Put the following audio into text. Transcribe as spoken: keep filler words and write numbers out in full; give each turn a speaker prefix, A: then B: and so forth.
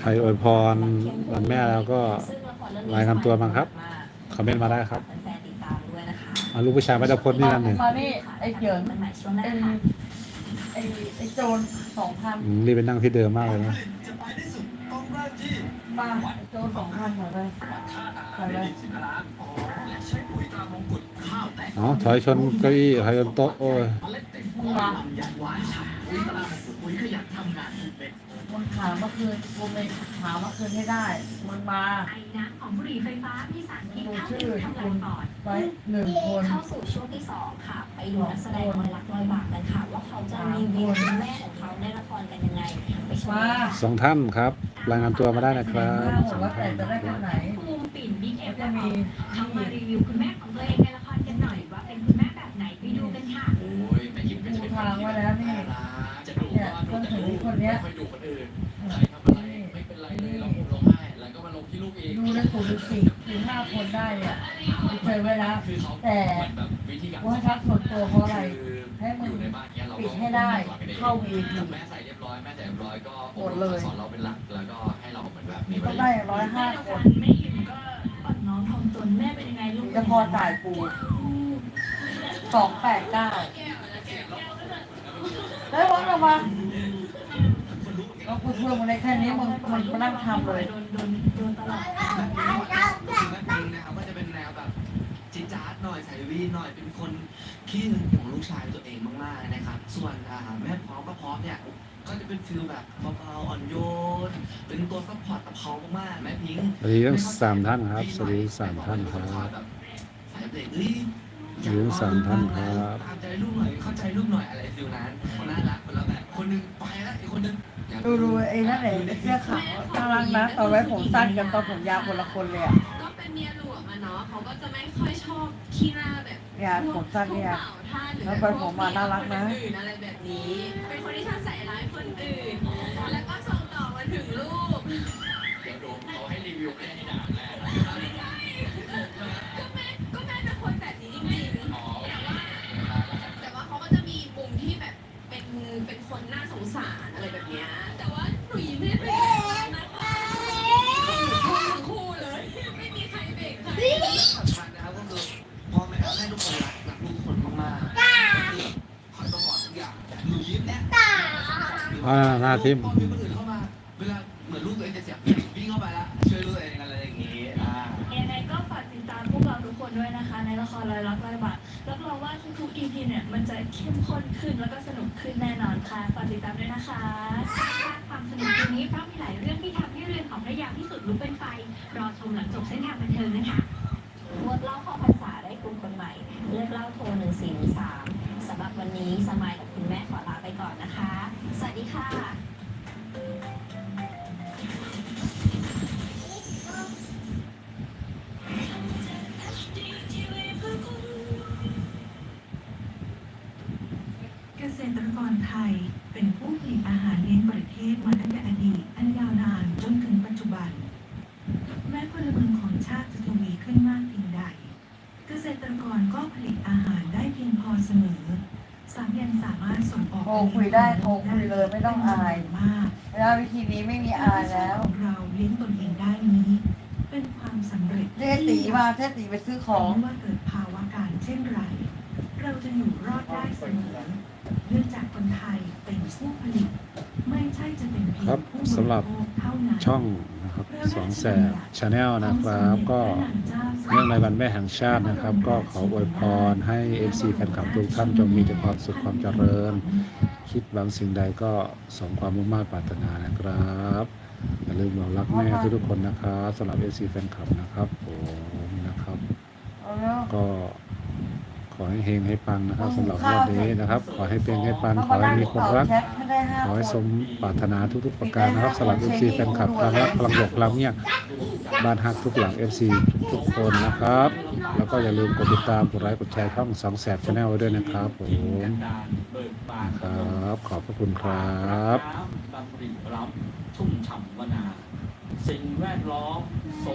A: รอวยพรวันแม่แล้วก็รายงานตัวบ้างครับคอมเมนต์มาได้ครับเอาลูกผู้ชายไม่ได้พ้นนี่นั่นหนึ่ง
B: มานี่ไอ้เจิงไอ้ไอ้ไอ้โจรสองพัน
A: อืมรีบไปนั่งที่เดิมมากเลยนะ
B: มาไอ้โจรสองพันเหรอเลยเหรอเลย
A: อ๋อถอยชนเก้าอี้ถอยชนโต๊ะโอ้ย
B: มึงมามึงถามเมื่อคืนกูไม่ถามเมื่อคืนให้ได้มึงมา
C: ไอ้น้ำของบุหรี่ไฟฟ้ามีสารพิษ
B: ดู
C: เข้า
B: ชื่
C: ถึ
B: อง
C: ทำลา
B: คุ
C: ย
B: ณ
C: ปอด
B: ไว้หนึ่งคน
C: เข้าสู่ช่วงที่สองค่ะ ไปดูนักแสดงรอยรักรอยบากกันค่ะ ว่าเขาจะรีวิวคุณแม่ของเขาในละครกันยังไงไปชม
B: มา
C: กัน
A: สองท่านครับรายงานตัวมาได้นะครับสอง
B: ว่าแต่
A: ท่าน
B: จะได้คนไหน
C: ภูมิปิ่นบิ๊กเอ
B: ก็
C: ฟ
B: จะมี
C: เขามารีวิวคุณแม่ของตัวเองในละครกันหน่อยว่าเป็นคุณแม่แบบไหนไปดูกันค่ะ
D: โอ้ยแม่ยิ้มก็จะเป็น
B: ทางไว้แล้วนี่
D: จะดุ
B: เนี่ย
D: ก็
B: ต้น
D: ดุ
B: ถึง
D: แต่
B: คนเนี้ย
D: ไม่ค่อยดุคนอื่นใครทำอะไรไม่เป็นไรเลยเราลงให้แล้วก็มาลงที่ลูกเอง
B: ดูได้สูดูสี่สี่ห้าคนได้เนี่ยไปเจอไว้แล้ว
D: คือเขา
B: แต่
D: เหมือนแบบวิธีการ
B: ว่าทักส่วนตัวเพราะอะไร
D: คือ
B: ให้มึง
D: อยู่ในบ้านเนี้ยเรา
B: ปิ
D: ก็
B: ดให้ได้เข้า วี ไอ พี
D: แม่ใส่เรียบร้อยแม่ใส่เรียบร้อยก็
B: หมดเลย
D: สอนเราเป็นหลักแล้วก็ให้เราเหมือนแบบมี
B: ต้องได้ร้อยห้าคน
C: ไม่ยิ้มก็อ่อนน้อมถ่อมตนแม่เป็นยังไงลูก
B: จะพอจ่ายกูสองแปดเก้าได้วัดออกมาเราคุยเพื่อนมาในแค่นี้มึงมันมานั่งทำเลย
C: โดนโดนโดนตลอด
D: แม่ปิงนะครับก็จะเป็นแนวแบบจี๊ดจ๊าดหน่อยใส่วีหน่อยเป็นคนขี้หึงของลูกชายตัวเองมากๆนะครับส่วนอ่าแม่พร้อมก็พร้อมเนี่ยก็จะเป็นฟิลแบบเบาๆอ่อนโยนเป็นตัวซัพพอร์ตตะเพามากๆแม่พิง
A: สวัสดีทั้งสามท่านครับสวัสดีทั้งสามท่านครับ
D: สายเบรกเอ้ย
A: สวัสดีทั้งสามท่านครับ
D: ตามใจลูกหน่อยเข้าใจลูกหน่อยอะไรฟิลนั้นคนน่ารักคนละแบบคนหนึงไปแล้วอีกคนหนึง
B: ดูดูไอ้นั่นแหละไอ้เสื้อขาวน่ารักนะตอนไว้ผมสั้นกันตอนผมยาวคนละคนเลยอ่ะ
E: ก็เป็นเมียหลวงอะเนาะเขาก็จะไม่ค่อยชอบขี้หน้าแบบ
B: เนี่ยผมสั้นเนี่ย
E: พวกบ่าวท่าหรือ
B: แล้วไปผมมาน่ารักนะ
E: คนอื่นอะไรแบบนี้ เป็นคนที่ชอบใส่ร้ายคนอื่น แล้วก็ส่งต่อมาถึงลูก
D: เดี๋ยวโดมเขาให้รีวิวไม่ให้ด่าแม่
E: ไม่ใช่ก็แม่ก็แม่เป็นคนแบบนี้จริงๆ
D: อ๋อ
E: แต่ว่าเขาก็จะมีมุมที่แบบเป็นเป็นคนน่าสงสารอะไรแบบเนี้ยแต่ว่าหนูยิ้มให้เป็นนะคะทั้งคู่เลย ไม่มีใครเบรกใคร
D: สำคัญนะครับก็คือพ่อแม่ให้ทุกคนรักรักลูกทุกคนมากๆคอยต้องบอกทุกอย่างหนูยิ้มเนี่ย
A: อ่าหน้าทิม
D: พอมีคนอื่นเข้ามาเวลาเหมือนลูกตัวเองจะเสียวิ่งเข้าไปแล้วช่วยลูกตัวเองอะไรอย่างงี้อ่า
C: ยังไงก็ฝากติดตามพวกเราทุกคนด้วยนะคะ ในละครรอยรักรอยบาปรับรองว่าทุกๆ อี พี เนี่ยมันจะเข้มข้นขึ้นแล้วก็สนุกขึ้นแน่นอนค่ะฝากติดตามด้วยนะคะความสนุกตรงนี้เพราะมีหลายเรื่องที่ทำให้เรือนของพระยาพิสุทธิ์ลุกเป็นไฟรอชมหลังจบเส้นทางบันเทิงนะคะ
F: งดเหล่าเข้าพรรษาได้กลุ่มคนใหม่ เลือกเหล่าโทรหนึ่งสี่หนึ่งสามสำหรับวันนี้สมายกับคุณแม่ขอลาไปก่อนนะคะ สวัสดีค่ะ
G: เกษตรกรไทยเป็นผู้ผลิตอาหารเลี้ยงประเทศมาตั้งแต่อดีตอันยาวนานจนถึงปัจจุบัน แม้พลเมืองของชาติจะทวีขึ้นมากเพียงใด เกษตรกรก็ผลิตอาหารได้เพียงพอเสมอสามยังสามารถส่งออก
B: โทรคุยได้โทรคุยเลยไม่ต้องอาย
G: มาก
B: เวลาวิธีนี้ไม่มีอายแล้ว
G: ของเราเลี้ยงตนเองได้นี้ เป็นความสำเร็จ
B: เจ๊ตีมาเจ๊ตีไปซื้อของ
G: ไม่ว่าเกิดภาวะการเช่นไร เราจะอยู่รอดได้เสมอเนื่องจากคนไทยเป็นผู้ผลิต ไม่ใช่จะเป็นเพีย
A: ครั
G: ง
A: บ
G: ผู้
A: สำหรับ
G: บริโภคเท่านั้น
A: ช่องนะครับสองแสบชาแนลนะครับก็เนื่องในวันแม่แห่งชาตินะครับ ก็ขออวยพรให้ เอฟ ซี แฟนคลับทุกท่านจงมีแต่ความสุขความเจริญ คิดหวังสิ่งใดก็สมความมุ่งมั่นปรารถนานะครับอย่าลืมบอกรักแม่ทุกๆคนนะครับสำหรับ เอฟ ซี แฟนคลับนะครับผมนะครับ
B: เอาแล้ว
A: ก็ขอให้เฮงให้ปังนะครับสำหรับวันนี้นะครับ ขอให้เป็นให้ปังขอให้มีคนรัก
B: แชทให้ได้ห้า
A: ขอ
B: ค
A: ให้ส
B: น
A: มปรารถนาทุกๆประการนะครับสำหรับ เอฟ ซี แฟนคลับพลังรักพลังบวกพลังเนี่ยบ้านฮักทุกหลัง เอฟ ซี ทุกๆคนนะครับ แล้วก็อย่าลืมกดติดตามกดไลค์กดแชร์ช่องสองแสบชาแนลไว้ด้วยนะครับผม
D: กันดารเบิกบาน
A: ครับ ขอบพระคุณครับ
D: น้ำบางปรีรับชุ่มฉ่ำวนา สิ่งแวดล้อม